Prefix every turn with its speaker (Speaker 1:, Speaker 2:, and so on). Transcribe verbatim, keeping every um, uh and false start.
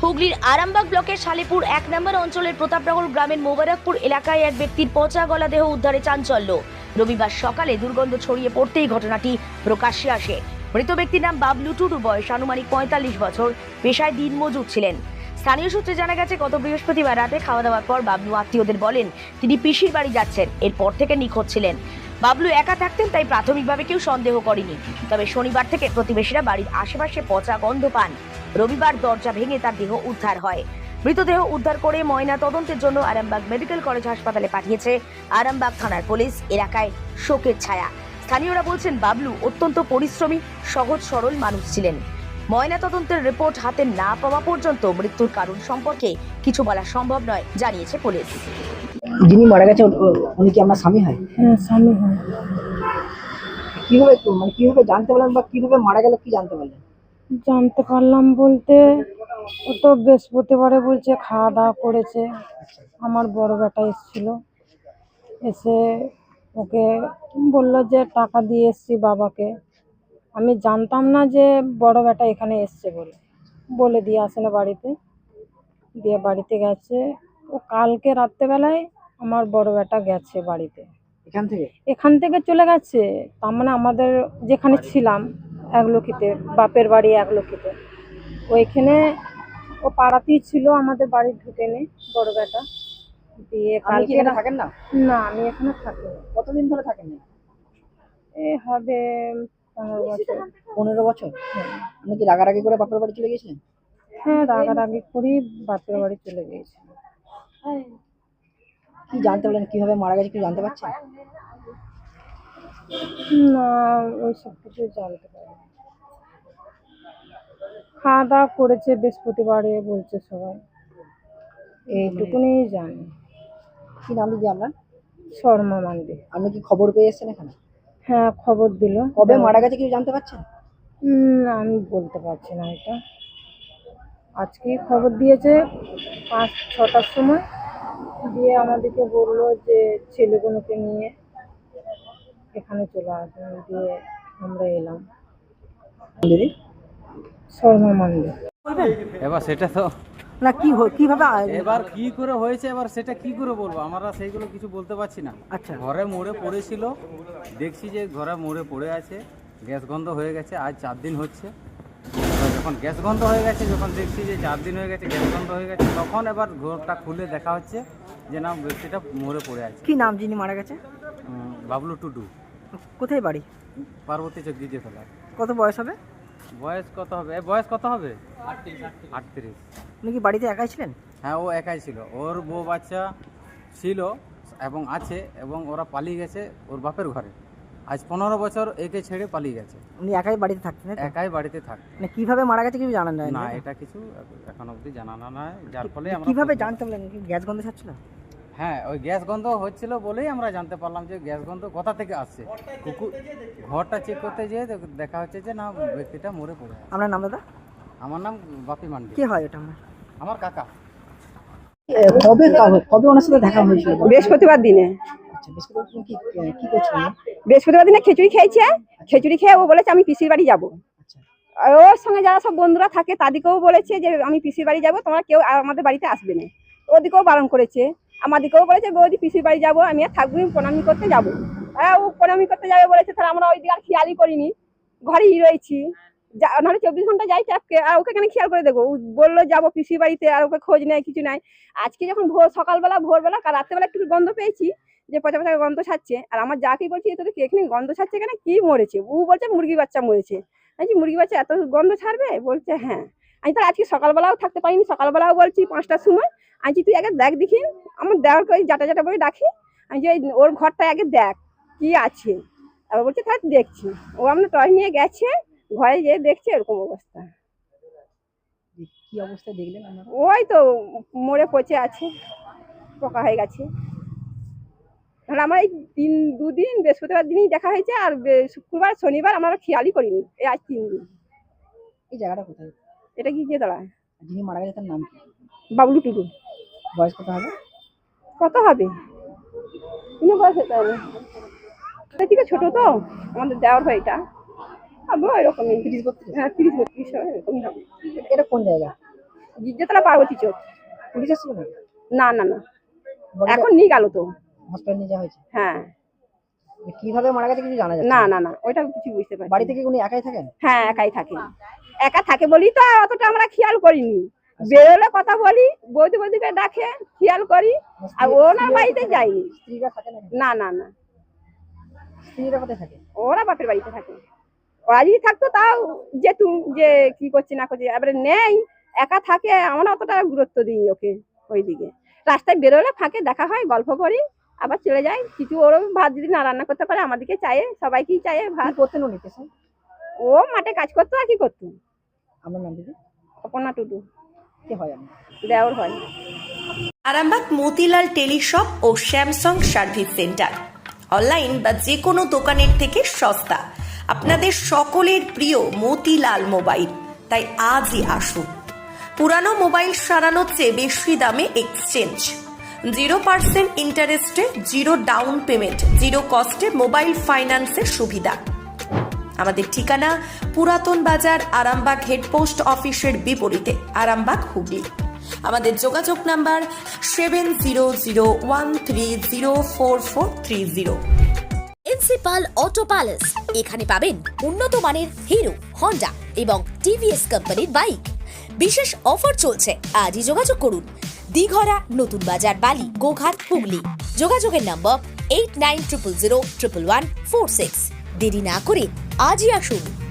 Speaker 1: হুগলির আরামবাগ ব্লকের শালেপুর এক নম্বর অঞ্চলের প্রতাপনগর গ্রামের মোবারকপুর এলাকায় এক ব্যক্তির পচা গলা দেহ উদ্ধারে চাঞ্চল্য। রবিবার সকালে দুর্গন্ধ ছড়িয়ে পড়তেই ঘটনাটি প্রকাশ্যে আসে। মৃত ব্যক্তির নাম বাবলু টুডু, বয়স আনুমানিক পঁয়তাল্লিশ বছর, পেশায় দিনমজুর ছিলেন। স্থানীয় সূত্রে জানা গেছে, গত বৃহস্পতিবার রাতে খাওয়া দাওয়ার পর বাবলু আত্মীয়দের বলেন তিনি পিসির বাড়ি যাচ্ছেন। এরপর থেকে নিখোঁজ ছিলেন। বাবলু একা থাকতেন, তাই প্রাথমিকভাবে কেউ সন্দেহ করেনি। তবে শনিবার থেকে প্রতিবেশীরা বাড়ির আশেপাশে পচা গন্ধ পান। রবিবার দরজা ভেঙে তার দেহ উদ্ধার হয়। মৃতদেহ উদ্ধার করে ময়না তদন্তের জন্য আরামবাগ মেডিকেল কলেজ হাসপাতালে পাঠিয়েছে আরামবাগ থানার পুলিশ। এলাকায় শোকের ছায়া। স্থানীয়রা বলছেন, বাবলু অত্যন্ত পরিশ্রমী, সহজ সরল মানুষ ছিলেন। ময়না তদন্তের রিপোর্ট হাতে না পাওয়া পর্যন্ত মৃত্যুর কারণ সম্পর্কে কিছু বলা সম্ভব নয়, জানিয়েছে পুলিশ।
Speaker 2: যিনি মারা গেছে উনি কি আপনার স্বামী হয়?
Speaker 3: হ্যাঁ, স্বামী হয়।
Speaker 2: কিভাবে মানে কিভাবে জানতে পারলেন বা কিভাবে মারা গেল, কি জানতে পারলেন?
Speaker 3: জানতে পারলাম বলতে, ও তো বৃহস্পতিবারে বলছে খাওয়া দাওয়া করেছে। আমার বড় বেটা এসেছিল, এসে ওকে বললো যে টাকা দিয়ে এসছি বাবাকে। আমি জানতাম না যে বড় বেটা এখানে এসছে বলে বলে দিয়ে আসে না বাড়িতে। দিয়ে বাড়িতে গেছে ও কালকে রাত্রেবেলায় আমার বড় বেটা গেছে বাড়িতে।
Speaker 2: এখান থেকে
Speaker 3: এখান থেকে চলে গেছে, তার মানে আমাদের যেখানে ছিলাম একলক্ষিতে, বাপের বাড়ি একলক্ষিতে, ওইখানে ও পাড়াতেই ছিল, আমাদের বাড়ি ঢুকে নেই বড় বেটা। দিয়ে
Speaker 2: আপনি কি
Speaker 3: কালকে
Speaker 2: এখানে থাকেন না?
Speaker 3: না, আমি এখানে থাকি না।
Speaker 2: কতদিন ধরে থাকেন না?
Speaker 3: এ হবে পনেরো বছর।
Speaker 2: পনেরো বছর? আপনি কি রাগারাগি করে বাপের বাড়ি চলে গেছিলেন?
Speaker 3: হ্যাঁ, রাগারাগি করি বাপের বাড়ি চলে গিয়েছি।
Speaker 2: কি জানতে পারলেন, কিভাবে মারা গেছে কি জানতে পারছেন?
Speaker 3: না, ওই সব কিছু জানতে পারি না। খাওয়া দাওয়া করেছে বৃহস্পতিবারে বলছে সবাই, এইটুকুনি জানি।
Speaker 2: কি নাম দিদি আপনার?
Speaker 3: শর্মা মান্ডি।
Speaker 2: আপনি কি খবর পেয়ে এসেছেন এখানে?
Speaker 3: হ্যাঁ, খবর দিল।
Speaker 2: কবে মারা গেছে কিছু জানতে পারছেন?
Speaker 3: হুম, আমি বলতে পারছি না এটা। আজকেই খবর দিয়েছে পাঁচ ছটার সময়, দিয়ে আমাদেরকে বললো যে ছেলেগুলোকে নিয়ে এখানে চলে আসবেন। দিয়ে আমরা এলাম।
Speaker 2: দিদি
Speaker 3: শর্মা মান্ডি।
Speaker 4: এবার সেটা তো
Speaker 2: না কি কিভাবে
Speaker 4: এবার কি করে হয়েছে, এবার সেটা কি করে বলবো, আমরা সেইগুলো কিছু বলতে পারছি না।
Speaker 2: আচ্ছা।
Speaker 4: ঘরে মোড়ে পড়েছিল, দেখছি যে ঘরে মোড়ে পড়ে আছে, গ্যাস গন্ধ হয়ে গেছে, আজ চার দিন হচ্ছে। এবার যখন গ্যাস গন্ধ হয়ে গেছে, যখন দেখছি যে চার দিন হয়ে গেছে গ্যাস গন্ধ হয়ে গেছে, তখন এবার ঘরটা খুলে দেখা হচ্ছে যে না, ব্যক্তিটা মোড়ে পড়ে আছে।
Speaker 2: কি নাম যিনি মারা গেছে?
Speaker 4: উম, বাবলু টুডু,
Speaker 2: কোথায় বাড়ি?
Speaker 4: পার্বতী চক দিতে ফেলা।
Speaker 2: কত বয়স হবে?
Speaker 4: বয়স কত হবে, এ বয়স কত হবে? আটত্রিশ।
Speaker 2: উনি কি বাড়িতে একাই ছিলেন?
Speaker 4: হ্যাঁ, ও একাই ছিল, ওর বউ বাচ্চা ছিল এবং আছে, এবং ওরা পালিয়ে গেছে ওর বাপের ঘরে। আজ পনেরো বছর একে ছেড়ে পালিয়ে গেছে।
Speaker 2: উনি একাই বাড়িতে থাকতেন?
Speaker 4: একাই বাড়িতে থাক।
Speaker 2: মানে কিভাবে মারা গেছে কিছু জানেন
Speaker 4: না, এটা কিছু এখন অবধি জানানো নয়, যার ফলে আমরা
Speaker 2: কিভাবে জানতে পারলেন? কি গ্যাস গন্ধ ছাড়ছিল?
Speaker 4: হ্যাঁ, ওই গ্যাস গন্ধ হচ্ছিল বলেই আমরা জানতে পারলাম যে গ্যাস গন্ধ কোথা থেকে আসছে। কুকুর ঘরটা চেক করতে যেয়ে দেখা হচ্ছে যে না, ব্যক্তিটা মরে পড়ে আছে।
Speaker 2: আপনার নাম দাদা?
Speaker 4: আমার নাম বাপি মান্ডি।
Speaker 2: কে হয় ওটা? আমার
Speaker 4: আমার কাকা।
Speaker 2: কবে কবে ওনার সাথে দেখা হয়েছিল?
Speaker 5: বৃহস্পতিবার দিনে।
Speaker 2: আচ্ছা, বৃহস্পতিবার দিন কি কি করছিলেন?
Speaker 5: বৃহস্পতিবার দিনে খিচুড়ি খেয়েছে। খিচুড়ি খেয়ে ও বলেছে আমি পিসির বাড়ি যাবো।
Speaker 2: আচ্ছা।
Speaker 5: আর ওর সঙ্গে যারা সব বন্ধুরা থাকে তাদেরকেও বলেছে যে আমি পিসির বাড়ি যাবো, তোমরা কেউ আর আমাদের বাড়িতে আসবে না। ওদিকেও বারণ করেছে, আমাদেরকেও বলেছে বৌদি পিসির বাড়ি যাবো, আমি আর থাকবো, প্রণামি করতে যাবো। হ্যাঁ, ও প্রণামি করতে যাবে বলেছে, তাহলে আমরা ওই দিকে আর খেয়ালই করিনি, ঘরেই রয়েছি। নাহলে চব্বিশ ঘন্টা যাই চাপকে, আর ওকে কেন খেয়াল করে দেখবো? ও বললো যাবো পিসির বাড়িতে, আর ওকে খোঁজ নেই, কিছু নাই। আজকে যখন ভোর সকালবেলা ভোরবেলা কাল রাত্রেবেলা একটু গন্ধ পেয়েছি যে পচা পচা গন্ধ ছাড়ছে, আর আমার যাকেই বলছি তোদের এখানে গন্ধ ছাড়ছে কেন, কি মরেছে? ও বলছে মুরগি বাচ্চা মরেছে। আমি মুরগি বাচ্চা এত গন্ধ ছাড়বে? বলছে হ্যাঁ। আমি তো আজকে সকালবেলাও থাকতে পারিনি, সকালবেলাও বলছি পাঁচটার সময় আমি তুই আগে দেখ দেখি, আমার দেওয়ার করে জাটা জাটা বলে ডাকি, আমি যে ওর ঘরটা আগে দেখ কি আছে। আবার বলছে তাই দেখছি। ও আমরা টয় নিয়ে গেছে, ঘরে যেয়ে দেখছে এরকম অবস্থা।
Speaker 2: কি অবস্থায় দেখলেন আপনারা?
Speaker 5: ওই তো মরে পচে আছে, পোকা হয়ে গেছে। তাহলে আমার এই তিন দুদিন বৃহস্পতিবার দিনই দেখা হয়েছে, আর শুক্রবার শনিবার আমরা খেয়ালই করিনি, এই আজ তিন দিন।
Speaker 2: এই জায়গাটা কোথায়?
Speaker 5: এটা কি যে দাঁড়ায়?
Speaker 2: যিনি মারা গেছে তার নাম কি?
Speaker 5: বাবলু টুডু।
Speaker 2: বয়স কত হবে?
Speaker 5: কত হবে? কোনো বয়স হতে হবে না, থেকে ছোট তো আমাদের দেওয়ার ভাইটা, হবে এরকমই।
Speaker 2: তিরিশ বত্রিশ?
Speaker 5: হ্যাঁ, তিরিশ বত্রিশ এরকমই হবে।
Speaker 2: এটা কোন জায়গা?
Speaker 5: গির্জাতলা পার্বতী চোখ।
Speaker 2: পুলিশ এসেছিল নাকি?
Speaker 5: না না না,
Speaker 2: বডিটা
Speaker 5: এখন নিয়ে গেল তো।
Speaker 2: হসপিটাল নিয়ে যাওয়া হয়েছে।
Speaker 5: হ্যাঁ,
Speaker 2: কিভাবে মারা গেছে কিছু জানা যাচ্ছে
Speaker 5: না না না, ওইটা কিছু বুঝতে পারি।
Speaker 2: বাড়ি থেকে উনি একাই থাকেন?
Speaker 5: হ্যাঁ, একাই থাকে। একা থাকে বলি তো অতটা আমরা খেয়াল করিনি। বেরোলে কথা বলি, বৌদি বৌদিকে ডাকে, খেয়াল করি। আর ওনার বাড়িতে যাইনি।
Speaker 2: স্ত্রীরা থাকে নাকি?
Speaker 5: না না না,
Speaker 2: স্ত্রীরা কোথায় থাকে?
Speaker 5: ওরা বাপের বাড়িতে থাকে। ওরা যদি থাকতো তাও যে তুমি যে কি করছে না করছে, এবারে নেই, একা থাকে। আমরা অতটা গুরুত্ব দিই ওকে। ওইদিকে রাস্তায় বেরোলে ফাঁকে দেখা হয়, গল্প করি, আবার চলে যাই। কিছু ওরও ভাত যদি না রান্না করতে পারে আমাদেরকে চায়ে, সবাইকেই চায়ে ভাত।
Speaker 2: কি করতেন উনি পেশায়?
Speaker 5: ও মাঠে কাজ করতো আর কি করতো।
Speaker 2: আমার নাম দিদি?
Speaker 5: অপর্ণা টুডু।
Speaker 2: কি হয় আমি?
Speaker 5: দেওর হয়।
Speaker 1: আরামবাগ মতিলাল টেলিশপ ও স্যামসাং সার্ভিস সেন্টার অনলাইন বা যে কোনো দোকানের থেকে সস্তা। আপনাদের সকলের প্রিয় মতিলাল মোবাইল, তাই আজই আসুন। পুরানো মোবাইল সারানোর চেয়ে বেশি দামে এক্সচেঞ্জ, জিরো পার্সেন্ট ইন্টারেস্টে জিরো ডাউন পেমেন্ট, জিরো কস্টে মোবাইল ফাইন্যান্সের সুবিধা। আমাদের ঠিকানা পুরাতন বাজার, আরামবাগ হেডপোস্ট অফিসের বিপরীতে, আরামবাগ, হুগলি। আমাদের যোগাযোগ number seven zero zero one three zero four four three zero.
Speaker 6: Principal auto palace, এখানে পাবেন উন্নত মানের হিরো, হন্ডা এবং টিভিএস কোম্পানির বাইক। বিশেষ অফার চলছে, আজই যোগাযোগ করুন। দিঘরা, নতুন বাজার, বালি, গোঘাট, হুগলি। যোগাযোগের number eight nine triple zero triple one four six. দেরি না করে আজই আসুন।